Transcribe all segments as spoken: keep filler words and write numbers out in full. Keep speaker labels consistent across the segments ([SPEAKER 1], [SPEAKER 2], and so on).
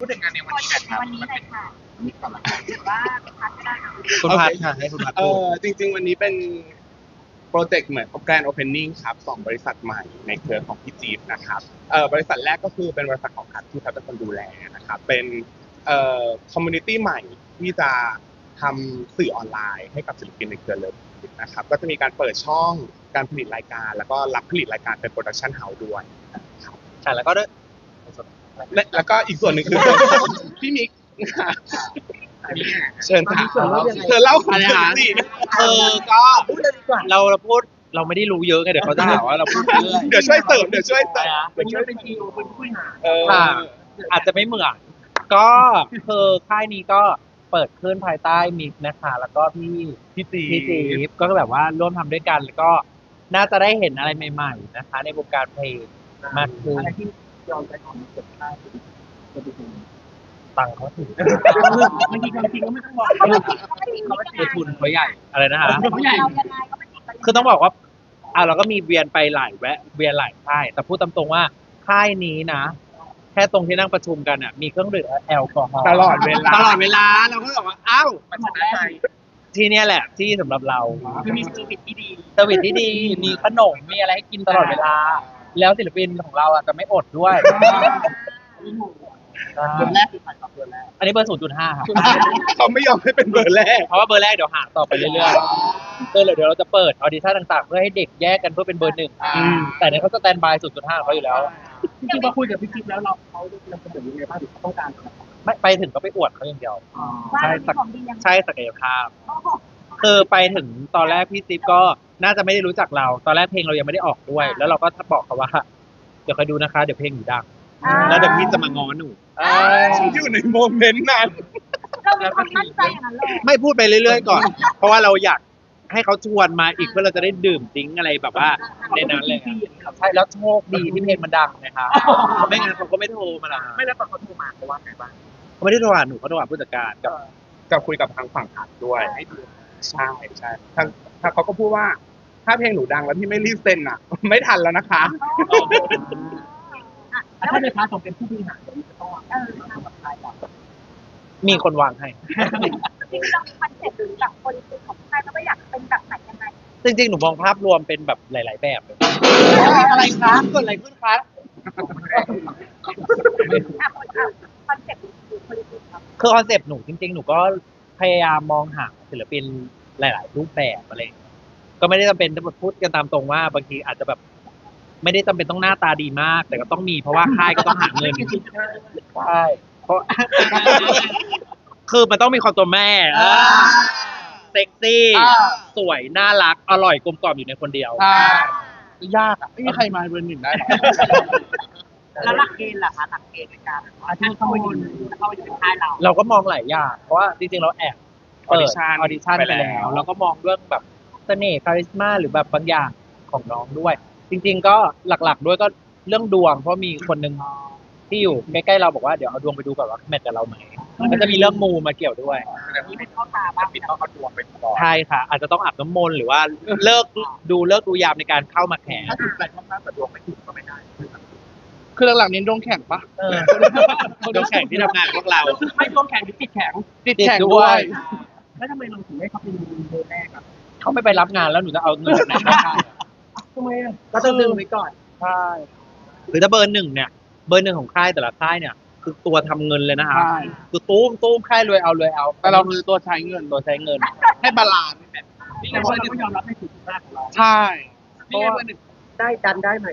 [SPEAKER 1] พูดถึงงานในวันนี้กันครับ
[SPEAKER 2] วันนี้เลยค่ะ
[SPEAKER 1] มีก่อนละกัน
[SPEAKER 2] หรือว่าพักก็ได้ค่ะ
[SPEAKER 3] คุณพัดค่ะให้คุณพัด
[SPEAKER 4] เอ
[SPEAKER 3] พูด
[SPEAKER 4] อจริง ๆ วันนี้เป็นโปรเจกต์เหมือนแกรนด์โอเพนนิ่งครับสองบริษัทใหม่ในเครือของพี่จี๊บนะครับเออบริษัทแรกก็คือเป็นบริษัทของพัดที่พัดเป็นคนดูแลนะครับเป็นเอ่อคอมมูนิตี้ใหม่ที่จะทำสื่อออนไลน์ให้กับศิลปินในเครือเลยนะครับก็จะมีการเปิดช่องการผลิตรายการ แล้วก็รับผลิตรายการเป็นโปรดักชันเฮาส์ด้วยครับ
[SPEAKER 3] ค่ะแล้วก็ด้วย
[SPEAKER 4] และแล้วก็อีกส่วนหนึ่งคือ พี่มิกค่ะเชิญค่ะเธอเล่าของเธอสิ
[SPEAKER 3] เออก็เราเราพูดเราไม่ได้รู้เยอะไงเดี๋ยวเขาจะหาว่าเราพูดเรื่อย
[SPEAKER 4] เดี๋ยวช่วยเสริมเดี๋ยวช่วยเสริม
[SPEAKER 1] วันนี้เป็นทีโอเป็นผู้บริหาร
[SPEAKER 4] เออ
[SPEAKER 3] ค่ะอาจจะไม่เหมือนก็คือค่ายนี้ก็เปิดขึ้นภายใต้มิกนะคะ แล้วก็พี่
[SPEAKER 4] พี่จี
[SPEAKER 3] พี่จีฟก็แบบว่าร่วมทำด้วยกัน แล้วก็น่าจะได้เห็นอะไรใหม่ๆนะคะ ในวงการเพลงมากขึ้น
[SPEAKER 1] อะไรที่ยอมใจของเกิดได้จะดู
[SPEAKER 3] ตังค์เขาถึง
[SPEAKER 1] บางทีความจริงก็ไม่ต้องบอก
[SPEAKER 2] เขาไม่ติดเขาไม่ติดเขาไม่ติ
[SPEAKER 3] คือ
[SPEAKER 2] ด
[SPEAKER 3] ทุนเขาใหญ่อะไรนะคะ
[SPEAKER 2] เขาใหญ่เรายังไงก็ไม่ติดกัน
[SPEAKER 3] คือต้องบอกว่าอ่ะเราก็มีเวียนไปหลายแวะเวียนหลายค่าย แต่พูดตามตรงว่าค่ายนี้นะ แค่ตรงที่นั่งประชุมกันอ่ะมีเครื่องดื่มแอลกอฮอล์
[SPEAKER 4] ตลอดเวลา
[SPEAKER 3] ตลอดเวลาเราก็บอกว่าอ้าว
[SPEAKER 1] มันชนะใจ
[SPEAKER 3] ที่เนี่ยแหละที่สำหรับเรา
[SPEAKER 1] คือมีเซอร์วิสที่ดี
[SPEAKER 3] เซอร์วิสที่ดีมีขนมมีอะไรให้กินตลอดเวลา แล้วศิลปินของเราอ่ะจะไม่อดด้วย
[SPEAKER 1] เดือนแรกคือขายสองเดือนแรก
[SPEAKER 3] อันนี้เบอร์ศูนย์จุดห้าครับ
[SPEAKER 4] เขาไม่ยอมให้เป็นเบอร์แรก
[SPEAKER 3] เพราะว่าเบอร์แรกเดี๋ยวหาต่อไปเรื่อยๆเออเดี๋ยวเราจะเปิดออดิชั่นต่างๆ เพื่อให้เด็กแยกกันเพื่อเป็นเบอร์หนึ่งแต่เนี่ยเขาสแตนบายศูนย์จุดห้าเขาอยู่แล้ว
[SPEAKER 1] จริงๆพอคุยกับพี่จิ๊บแล้วเราเขาเราเสนอยังไงบ้างหรือเขาต้องการอะไร
[SPEAKER 3] ไม่ไปถึงก็ไปอวดเขาอย่างเดียว
[SPEAKER 2] ว่ามีของดียังไง
[SPEAKER 3] ใช่ศักยภาพ
[SPEAKER 2] โอ้โห
[SPEAKER 3] คือไปถึงตอนแรกพี่จิ๊บก็น่าจะไม่ได้รู้จักเรา ตอนแรกเพลงเรายังไม่ได้ออกด้วย แล้วเราก็บอกเขาว่า เดี๋ยวคอยดูนะคะ เดี๋ยวเพลงหนูดัง แล้วเดี๋ยวพี่จะมาง้อหนู
[SPEAKER 4] ฉันอยู่ในโมเมนต์นั้น
[SPEAKER 2] เรามีความมั่นใจอย่างนั้นเลย
[SPEAKER 3] ไม่พูดไปเรื่อยๆก่อน เพราะว่าเราอยากให้เขาชวนมาอีกเพื่อเราจะได้ดื่มดิ้งอะไรแบบว่าในนั้นเลยใช่แล้วโชคดีที่เพลงมันดังนะคะไม่งั้นเขาก็ไม่โทรมาละ
[SPEAKER 1] ไม่แล้วตอนเขาโทรมาเขาว่าไงบ้าง
[SPEAKER 3] เขาไม่ได้โทรหาหนูเขาโทรหาผู้จัดการกับ
[SPEAKER 4] จะคุยกับทางฝั่งผัดด้วยให้ดูใช่ใช่ทางทางเขาก็พูดว่า ถ้าเพลงหนูดังแล้วพี่ไม่รีบเซ็นอ่ะ ไม่ทันแล้วนะคะ
[SPEAKER 1] ถ้าในพาร์ทของเป็นผู้บริหารเราจะต้องวางแผนกับใครบ้าง
[SPEAKER 3] มีคนวางให้
[SPEAKER 2] จริงๆเรามีคอนเซ็ปต์หรือแบบโพลิติของใครแล้วก็อยากเป็นแบบไหนยังไง
[SPEAKER 3] จริงๆ หนูมองภาพรวมเป็นแบบหลาย ๆ แบบเลย
[SPEAKER 1] อะไรครับ
[SPEAKER 3] เกิดอะไรขึ้นคะ
[SPEAKER 2] อ่ะคนอ่ะคอนเซ็ปต์หรือโพลิติครับ
[SPEAKER 3] คือคอนเซปต์หนูจริง ๆ หนูก็พยายามมองหาศิลปินหลาย ๆ รูปแบบอะไรอย่างเงี้ยก็ไม่ได้จำเป็นต้องพูดกันตามตรงว่าบางทีอาจจะแบบ ไม่ได้จำเป็นต้องหน้าตาดีมาก แต่ก็ต้องมีเพราะว่าค่ายก็ต้องหาเงินใช่เพราะ คือมันต้องมีความตัวแม่เซ็กซี่สวยน่ารักอร่อยกลมกล่อมอยู่ในคนเดียว
[SPEAKER 1] ใช่
[SPEAKER 3] ยากอ่ะไม่มีใครมาเบอร์หนึ่งได้หรอ
[SPEAKER 1] แล้วหลักเกณฑ์ล่ะคะหลักเกณฑ์ในการอาชีพเข้ามาอยู่เข้ามาอยู่ในค่ายเรา
[SPEAKER 3] เราก็มองหลายอย่างเพราะว่าจริงๆเราแอบเปิด
[SPEAKER 4] Audition
[SPEAKER 3] ออดิชั่น
[SPEAKER 4] ไป
[SPEAKER 3] ไป
[SPEAKER 4] แล้ว
[SPEAKER 3] แล้วแล้วก็มองเรื่องแบบเสน่ห์คาริสมาหรือแบบบางอย่างของน้องด้วย จริง ๆ ก็หลักๆด้วยก็เรื่องดวง เพราะมีคนหนึ่งที่อยู่ใกล้ๆเราบอกว่าเดี๋ยวเอาดวงไปดูก่อนว่าแมทกับเราไหมก็จะมีเรื่องมูมาเกี่ยวด้วย
[SPEAKER 1] แต่นี้เป็นข้อตาบ้างปิดต้องเอาดวงไปก่อน
[SPEAKER 3] ใช่ค่ะ อาจจะต้องอาบน้ำมนต์หรือว่าเลิกดูเลิกดูยามในการเข้ามาแข่ง
[SPEAKER 1] ถ้าถูกใจมากๆแต่ดวงไม่ถูกก็ไม่ได้
[SPEAKER 5] คือหลังๆเน้นดวงแข่งปะ
[SPEAKER 3] เออดวงแข่งที่ทำงานกับพวกเรา
[SPEAKER 1] ไม่ดวงแข็งหรือจิตแข็ง
[SPEAKER 5] ติดแข่งด้วย
[SPEAKER 1] แล้วทำไมเราถึงได้เขาเป็นเบอร์แรกอ่ะ
[SPEAKER 3] เขาไม่ไปรับงานแล้วหนูจะเอาเงินจากไหนมาให้
[SPEAKER 1] ทำไมอ่ะก็ต้องดึงไว้ก่อน
[SPEAKER 3] ใช่หรือถ้าเบอร์หนึ่งเนี่ย เบอร์หนึ่งของค่ายแต่ละค่ายเนี่ย คือตัวทำเงินเลยนะคะ
[SPEAKER 5] ใช่
[SPEAKER 3] คือตู้มตู้มค่ายรวยเอารวยเอา
[SPEAKER 5] แต่เราคือตัวใช้เงิน
[SPEAKER 3] ตัวใช้เงิน
[SPEAKER 5] ให้บาลานซ์
[SPEAKER 1] นี่ไงว่าเราไม่ยอมรับในสิ่งที่มากของเรา
[SPEAKER 5] ใช่
[SPEAKER 1] นี่ไงเบอร์หนึ่งได้ดันได้ไหม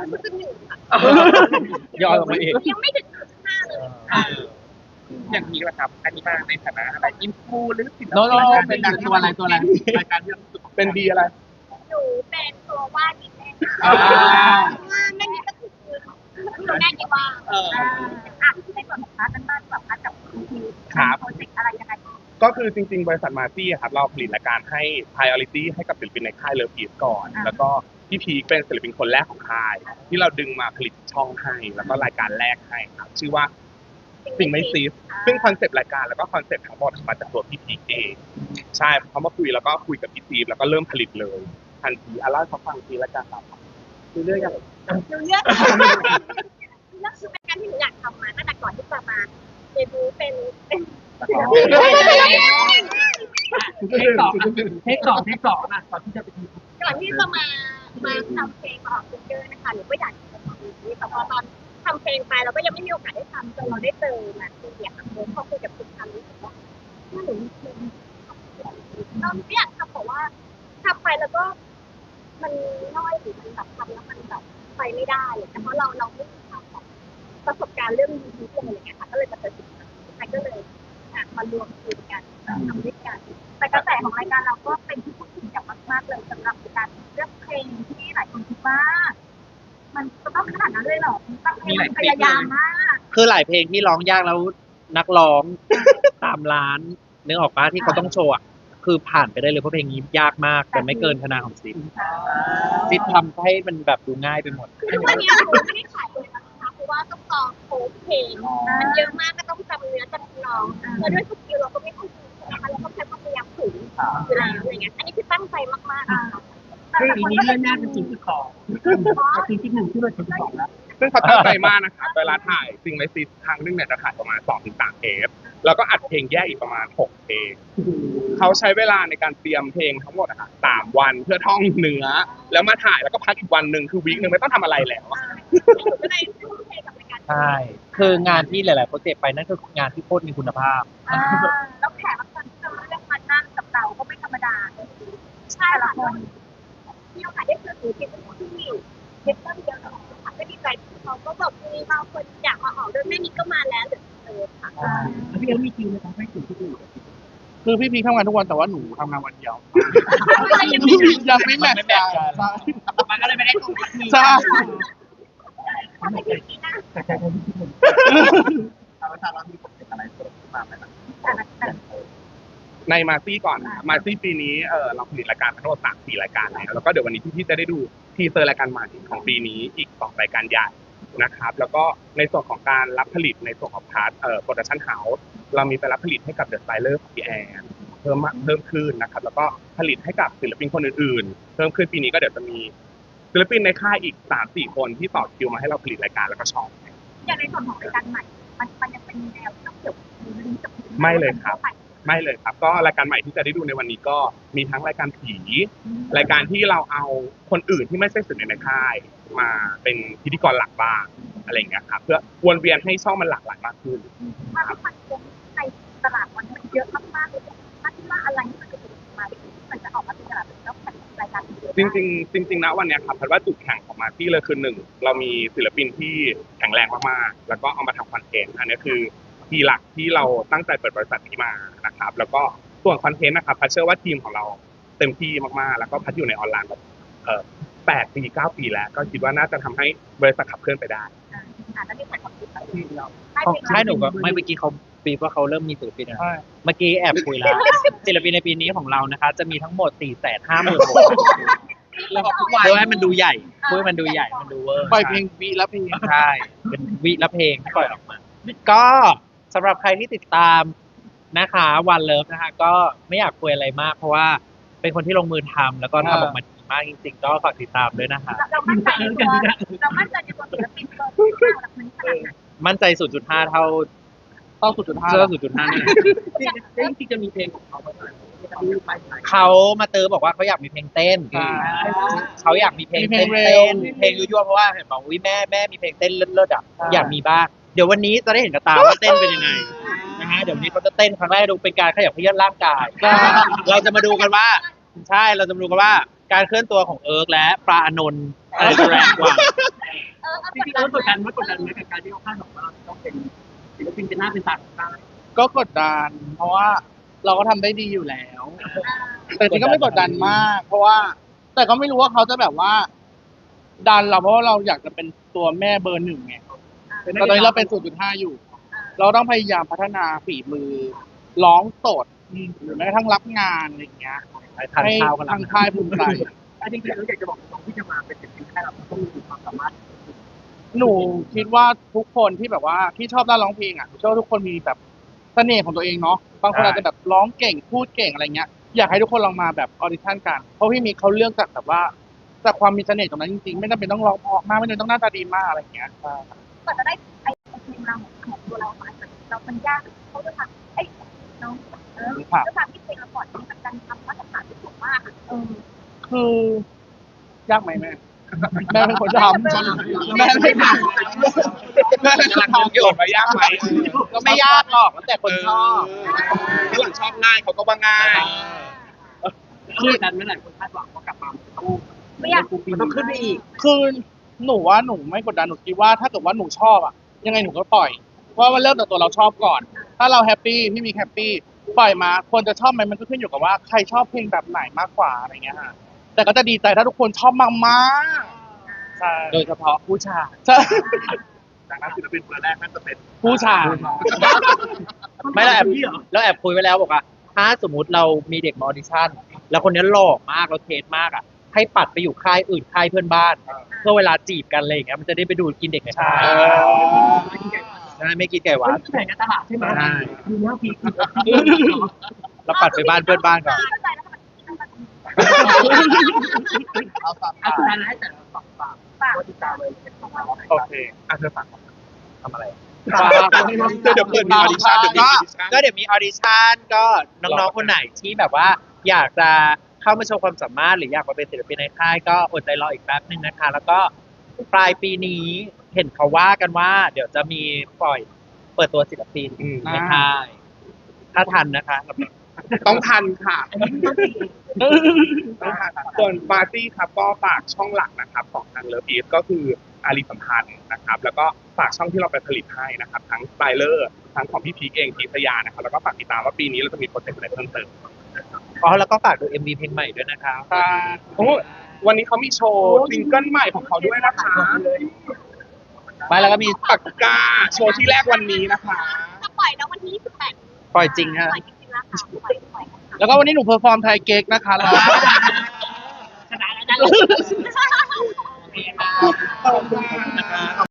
[SPEAKER 3] ย่อลงมาเอง
[SPEAKER 2] ยังไม่ถึงห้าเลย
[SPEAKER 1] อย่างนี้แหละครับ อันนี้มาในฐานะอะไรอินฟูหรือศิล
[SPEAKER 5] โน้ต
[SPEAKER 1] ปิ
[SPEAKER 5] เป็นดังตัวอะไรตัวอะไร
[SPEAKER 1] รายการที่เรารู้สึก
[SPEAKER 4] เป็นดีอะไร
[SPEAKER 2] หนูเป็นตัววาดดีแม่
[SPEAKER 5] อ่า
[SPEAKER 2] ว่าแม่นี่ก็คือคือแม่กี่ว่าเอออ่ะในส่วนของพาร์ทนั้นบ้างแบบพาร์ทกับคุณที
[SPEAKER 4] ครับ
[SPEAKER 2] โปรเจกต์อะไรยังไง
[SPEAKER 4] ก็คือจริง ๆ บริษัทมาซี่ครับเราผลิตรายการให้ priority ให้กับศิลปินในค่ายเลิฟอีสก่อน แล้วก็พี่พีคเป็นศิลปินคนแรกของค่าย ที่เราดึงมาผลิตช่องให้ แล้วก็รายการแรกให้ครับชื่อว่าสิ่งไม่ซีฟซึ่งคอนเซปต์รายการแล้วก็คอนเซปต์ทั้งหมดมาจากตัวพี่พีคเองใช่เขามาคุยแล้วก็คุยกับพี่พีคแล้วก็เริ่มผลิตเลยทันทีอ่ะเล่าให้เขาฟังทีละกันครับ
[SPEAKER 1] คือเรื่องอย่าง
[SPEAKER 2] หนูเลือกเลือกคือเป็นการที่หนูอยากทำมาตั้งแต่ก่อนที่จะมาเดบิวต์เป็นเป็น
[SPEAKER 1] เทคสองเทคสองเทคสองอ่ะตอนที่จะไปที
[SPEAKER 2] ก่อนที่จะมามาทำเพลงมาออกซิงเกิลนะคะหนูก็อยากจะทำอย่างนี้แต่พอตอนทำเพลงไปเราก็ยังไม่มีโอกาสได้ทำจนเราได้เจอมาคืออยากทำเพลงพอคุยกับคุณทำรู้สึกว่าถ้าหนูมีเพลงเราไม่อยากทำบอกว่าทำไปแล้วก็ มันน้อยหรือมันแบบทำแล้วมันแบบไปไม่ได้แต่เพราะเราเราไม่มีความแบบประสบการณ์เรื่องยูทูบอะไรอย่างเงี้ยค่ะก็เลยมาเจอสิ่งนี้ก็เลยมารวมกลุ่มกันทำด้วยกันแต่กระแสของรายการเราก็เป็นที่พูดถึงอย่างมากๆเลยสำหรับการเลือกเพลงที่หลายคนคิดว่า มันจะต้องขนาดนั้นเลยเหรอต้องเพลงพยายามมาก
[SPEAKER 3] คือหลายเพลงที่ร้องยากแล้วนักร้อง ตามร้านนึกออกปะที่เขาต้องโชว์อะคือผ่านไปได้เลยเพราะเพลงนี้ยากมากแต่ไม่เกินคะแนนของซิปซิปทำให้มันแบบดูง่ายไปหมด
[SPEAKER 2] คือวันนี้หนูไม่ได้ขายเลยนะคะเพราะว่าต้องตองโค้ดเพลงมันเยอะมากก็ต้องจำเนื้อจำร้องแล้วด้วยสกิลเราก็ไม่ค่อยดีนะคะเราต้องใช้ความพยายามสูงอยู่แล้วอะไรเงี้ยอันนี้คือตั้งใจมากๆ
[SPEAKER 1] คืออีนี้เรื่องแรกเป็นสิ่งที่สองสิ่งที่หนึ่งที่เราสิ่งที่สองแล้ว
[SPEAKER 4] ซึ่งเขาตั้งใจมากนะครับเวลาถ่ายซิงไลซีครั้งหนึงเนี่ยจะถ่ายประมาณสองถึงสามเทปแล้วก็อัดเพลงแยกอีกประมาณหกเพลงเขาใช้เวลาในการเตรียมเพลงทั้งหมดอะค่ะสามวันเพื่อท่องเนื้อแล้วมาถ่ายแล้วก็พักอีกวันหนึ่งคือวีคหนึ่งไม่ต้องทำอะไรแล้ว
[SPEAKER 2] ก็เลยทุ่มเทกับรายการ
[SPEAKER 3] ใช่ คืองานที่หลายๆโปรเจกต์ไปนั่นคืองานที่โคตรมีคุณภาพ
[SPEAKER 2] แล้วแขกรับเชิญที่เราเลือกมานั่งกับเราก็ไม่ธรรมดาใช่ละคนมีโอกาสได้เจอศิลปินที่เยอะเยอะค่ะก็ดีใจที่เขาก็แบบมีบางคนอยากมาออกด้วยแม่นิกก็มาแล้วหรือเออค่ะ
[SPEAKER 1] แล้วพี่เอ็มมีคิวเลยทำให้ถึงที่อื่น
[SPEAKER 5] คือพี่พีทำงานทุกวันแต่ว่าหนูทำงานวันเดียว
[SPEAKER 2] ยังไม่ได้
[SPEAKER 5] ยังไม่แมทช์กัน
[SPEAKER 1] มันก็เลยไม่ได้ตรงกัน
[SPEAKER 5] ใช่
[SPEAKER 2] ทำไมถึงนี้นะ
[SPEAKER 1] แต่ใจคนที่หนึ่งเราทราบว่ามีผลเป็นอะไรเพิ่มมาไหมล่ะ
[SPEAKER 4] ในมาซี่ก่อนนะครับมาซี่ปีนี้เออเราผลิตรายการทั้งหมดสามสี่รายการแล้วแล้วก็เดี๋ยววันนี้พี่ๆจะได้ดูทีเซอร์รายการใหม่ของปีนี้อีกสองรายการใหญ่นะครับแล้วก็ในส่วนของการรับผลิตในส่วนของพาร์ทเอ่อโปรดักชั่นเฮาส์เรามีไปรับผลิตให้กับเดอะสไตเลอร์ของพี่แอนเพิ่มมากเพิ่มขึ้นนะครับแล้วก็ผลิตให้กับศิลปินคนอื่นๆเพิ่มขึ้นปีนี้ก็เดี๋ยวจะมีศิลปินในค่ายอีกสามสี่คนที่ต่อคิวมาให้เราผลิตรายการแล้วก็ช่อง
[SPEAKER 2] อย่างในส่วนของรายการใหม่ มันมันจะเป็นแนวที่ต้องเกี่ยวกับลิงก์กับ
[SPEAKER 4] ไม่เลยครับ ไม่เลยครับก็รายการใหม่ที่จะได้ดูในวันนี้ก็มีทั้งรายการผีรายการที่เราเอาคนอื่นที่ไม่ใช่ศิลปินในค่ายมาเป็นพิธีกรหลักบ้างอะไรอย่างเงี้ยครับเพื่อวนเวียนให้ช่องมันหลากหลายมากขึ้น
[SPEAKER 2] ถ้าที่มันคงในตลาดมันมันเยอะมากๆเลยถ้าที่ว่าอะไรที่มันจะมามันจะออกมาเป็นตลาดแล้วแข่งรายการ
[SPEAKER 4] จริงๆจริงๆนะวันเนี้ยครับพัดว่าจุดแข่งของมาที่เลยคือหนึ่งเรามีศิลปินที่แข็งแรงมากๆแล้วก็เอามาทำคอนเทนต์อันนี้คือที่หลักที่เราตั้งใจเปิดบริษัทนี้มานะครับแล้วก็ส่วนคอนเทนต์นะครับพัดเชื่อว่าทีมของเราเต็มที่มากๆแล้วก็พัดอยู่ในออนไลน์แบบเอ่อแปดปีเก้าปีแล้วก็คิดว่าน่าจะทำให้บริษัทขับเคลื่อนไปได้
[SPEAKER 2] อ่าแล้วมีใครความคิดอะไร
[SPEAKER 1] ที่เรา
[SPEAKER 3] ใช่หนูก็ไม่เมื่อกี้เขาปีว่าเขาเริ่มมีศิลปินนะ
[SPEAKER 5] ใช่
[SPEAKER 3] เมื่อกี้แอบคุยแล้วศิลปินในปีนี้ของเรานะคะ จะมีทั้งหมดสี่แสนห้าหมื่นคน
[SPEAKER 5] แล้วทุกวัน
[SPEAKER 3] เพื่อให้มันดูใหญ่เพื่อให้มันดูใหญ่มันดูเวอร์
[SPEAKER 5] ปล่อยเพลงวีละเพลง
[SPEAKER 3] ใช่เป็นวิละเพลงที่ปล่อยออกมา ก็สำหรับใครที่ติดตามนะคะวันเลิฟนะคะ ก็ไม่อยากคุยอะไรมาก เพราะว่าเป็นคนที่ลงมือทำแล้วก็ทำออกมาดีมากจริงๆก็ฝากติดตามด้วยนะคะ
[SPEAKER 2] เรามั่นใจในตัวเรามั่นใจในตัวศิลปินตัวที่เราหลักมันขนาดไหน
[SPEAKER 3] มั่นใจ ศูนย์จุดห้า เท่า
[SPEAKER 5] ต้องสุดจุดห้า
[SPEAKER 3] เสื้อ ศูนย์จุดห้า นี่
[SPEAKER 1] จริงๆจะมีเพลงของเขาไหมที่ไปไหน
[SPEAKER 3] เขามาเตือบอกว่าเขาอยากมีเพลงเต้น
[SPEAKER 5] ใช่
[SPEAKER 3] เขาอยากมีเพลง
[SPEAKER 5] มีเพล
[SPEAKER 3] เต้
[SPEAKER 5] ง
[SPEAKER 3] น
[SPEAKER 5] เร็
[SPEAKER 3] เต้
[SPEAKER 5] ว
[SPEAKER 3] นเพลงยั่วๆเพราะว่าเห็นบอกวิแม่แม่มีเพลงเต้นเลิศๆอ่ะ
[SPEAKER 5] ใช่
[SPEAKER 3] อยากมีบ้างเดี๋ยววันนี้จะได้เห็นกับตาว่าเต้นเป็นยังไงนะฮะเดี๋ยววันนี้เขาจะเต้นครั้งแรกดูเป็นการขยับเขยื้อนร่างกายเราจะมาดูกันว่า ใช่เราจะมาดูกันว่าการเคลื่อนตัวของเอิร์กและปลาอานนท์อะไรจะแรงกว่า
[SPEAKER 2] เออ
[SPEAKER 1] จริงๆเรากดดันไหมกดดันไหมกับการที่เขาคาดหวังว่าเราต้องเป็นศิลปินเป็นหน้าเป็นตาของได้
[SPEAKER 5] ก็กดดัน เพราะว่าเราก็ทำได้ดีอยู่แล้ว แต่จริงก็ไม่กดดันมาก เพราะว่า แต่ก็ไม่รู้ว่าเขาจะแบบว่า ดันเราเพราะว่าเราอยากจะเป็นตัวแม่เบอร์หนึ่งไงแต่ตอนนี้เราเป็น ศูนย์จุดห้า อยู่ เราต้องพยายามพัฒนาฝีมือร้องสดหรือแม้กระทั่งรับงานอะไรอย่างเงี้ย
[SPEAKER 3] ทาน
[SPEAKER 5] ให้
[SPEAKER 3] ข้าวกัน
[SPEAKER 5] ทางค่ายภูมิใจ
[SPEAKER 1] จริงๆเราอยากจะบอกตรงที่จะมาเป็นศิลปินแค่เราต้องมีความสามารถ
[SPEAKER 5] หนูคิดว่าทุกคนที่แบบว่าที่ชอบด้านร้องเพลงอ่ะหนูเชื่อว่าทุกคนมีแบบเสน่ห์ของตัวเองเนาะบางคนอาจจะแบบร้องเก่งพูดเก่งอะไรเงี้ยอยากให้ทุกคนลองมาแบบออดิชั่นกันเพราะพี่มีเขาเลือกจากแบบว่าจากความมีเสน่ห์ตรงนั้นจริงๆไม่จำเป็นต้องร้องเพราะมากไม่จำเป็นต้องหน้าตาดีมากอะไรเงี้ย
[SPEAKER 2] ก่อนจะได้ไอ้เพลงเราของตัวเราอาจจะเรามันยากเขาจะทำไอ้น้องเออจะทำที่เพลงละครนี่มันการทำมาตรฐานที่สูงมากเออ
[SPEAKER 5] คือยากไหมแม่แม่เป็นคนทำแม่ไม่ทำแม่เป็นคนทำ
[SPEAKER 4] โยนมายากไหม
[SPEAKER 5] ก็ไม่ยากหรอกแล้วแต่คนชอบ
[SPEAKER 4] ถ้าหลังชอบง่ายเขาก็ว่าง่าย
[SPEAKER 1] คือดันไม่หลายคนคาดหวังว่ากลับมาต้อง
[SPEAKER 2] ไม่อยาก
[SPEAKER 1] มันต้องขึ้นไปอีก
[SPEAKER 5] คือหนูว่าหนูไม่กดดันหนูคิดว่าถ้าเกิดว่าหนูชอบอะยังไงหนูก็ปล่อยเพราะว่ามันเริ่มจากตัวเราชอบก่อน ถ้าเราแฮปปี้พี่มีแฮปปี้ปล่อยมาคนจะชอบไหมมันก็ขึ้นอยู่กับว่าใครชอบเพลงแบบไหนมากกว่าอะไรเงี้ยฮะแต่ก็จะดีใจถ้าทุกคนชอบมากๆใช่
[SPEAKER 3] โดยเฉพาะผู้ชาย
[SPEAKER 5] ใช่
[SPEAKER 4] จากนั้นศิลปินเบอร์แรกนั่นจะเป็น
[SPEAKER 5] ผู้ชาย
[SPEAKER 3] ไม่แล้วแอบแล้วแอบคุยไว้แล้วบอกว่าถ้าสมมุติเรามีเด็กมาออดิชั่น แล้วคนนี้หล่อมากแล้วเทสมากอ่ะ ให้ปัดไปอยู่ค่ายอื่นค่ายเพื่อนบ้าน เพื่อเวลาจีบกันอะไรอย่างเงี้ยมันจะได้ไปดูดกินเด็กในค่ายใช่ไม่กินไก่หวาน
[SPEAKER 1] แข่งกันตลาดใช่ไหม
[SPEAKER 3] ใช่
[SPEAKER 1] ดูหน้าพีค
[SPEAKER 3] แล้วปัดไปบ้านเพื่อนบ้านก่อน
[SPEAKER 2] เข้าใจแล้วมัน
[SPEAKER 1] เอาฝากสุดท้ายให้แต่ละฝากฝากฝากติดตามเลย
[SPEAKER 4] โอเคอ่ะเธอฝาก
[SPEAKER 3] ทำอะไร
[SPEAKER 4] เดี๋ยวเปิดมีออดิชั่นเดี๋ยวมีออดิชั่น
[SPEAKER 3] ก็เดี๋ยวมีออดิชั่นก็น้องๆคนไหนที่แบบว่า อยากจะเข้ามาโชว์ความสามารถหรืออยากมาเป็นศิลปินในค่ายก็อดใจรออีกแป๊บนึงนะคะ แล้วก็ปลายปีนี้เห็นเขาว่ากันว่า เดี๋ยวจะมีปล่อยเปิดตัวศิลปินในค่ายถ้าทันนะคะ
[SPEAKER 4] ต้องทันค่ะต้องทันส่วนปาร์ตี้ครับก็ฝากช่องหลักนะครับของทางเลิฟอีฟก็คืออารีสัมพันธ์นะครับ แล้วก็ฝากช่องที่เราไปผลิตให้นะครับ ทั้งสไตเลอร์ทั้งของพี่พีคเองพีทยานะครับแล้วก็ฝากติดตามว่าปีนี้เราจะมีโปรเจกต์อะไรเพิ่มเติม
[SPEAKER 3] อ๋อแล้วก็ฝากดู เอ็ม วี เพลงใหม่ด้วยนะคะ
[SPEAKER 4] ค่ะโอ้วันนี้เขามีโชว์ซิงเกิลใหม่ของเขาด้วยนะคะ
[SPEAKER 3] ไปแล้วก็มี
[SPEAKER 4] ปากกาโชว์ที่แรกวันนี้นะคะ
[SPEAKER 2] จะปล่อยแล้ววันที่ยี่สิบแปด
[SPEAKER 3] ปล่อยจริงฮะ
[SPEAKER 2] ปล่อยจริงๆแล้วค่ะปล่อยปล่อย
[SPEAKER 5] แล้วก็วันนี้หนูเพอร์ฟอร์มไทยเก๊กนะคะแล้ว
[SPEAKER 1] ชนะแล้วนะโอเคค่ะ
[SPEAKER 4] ขอบคุณค่ะ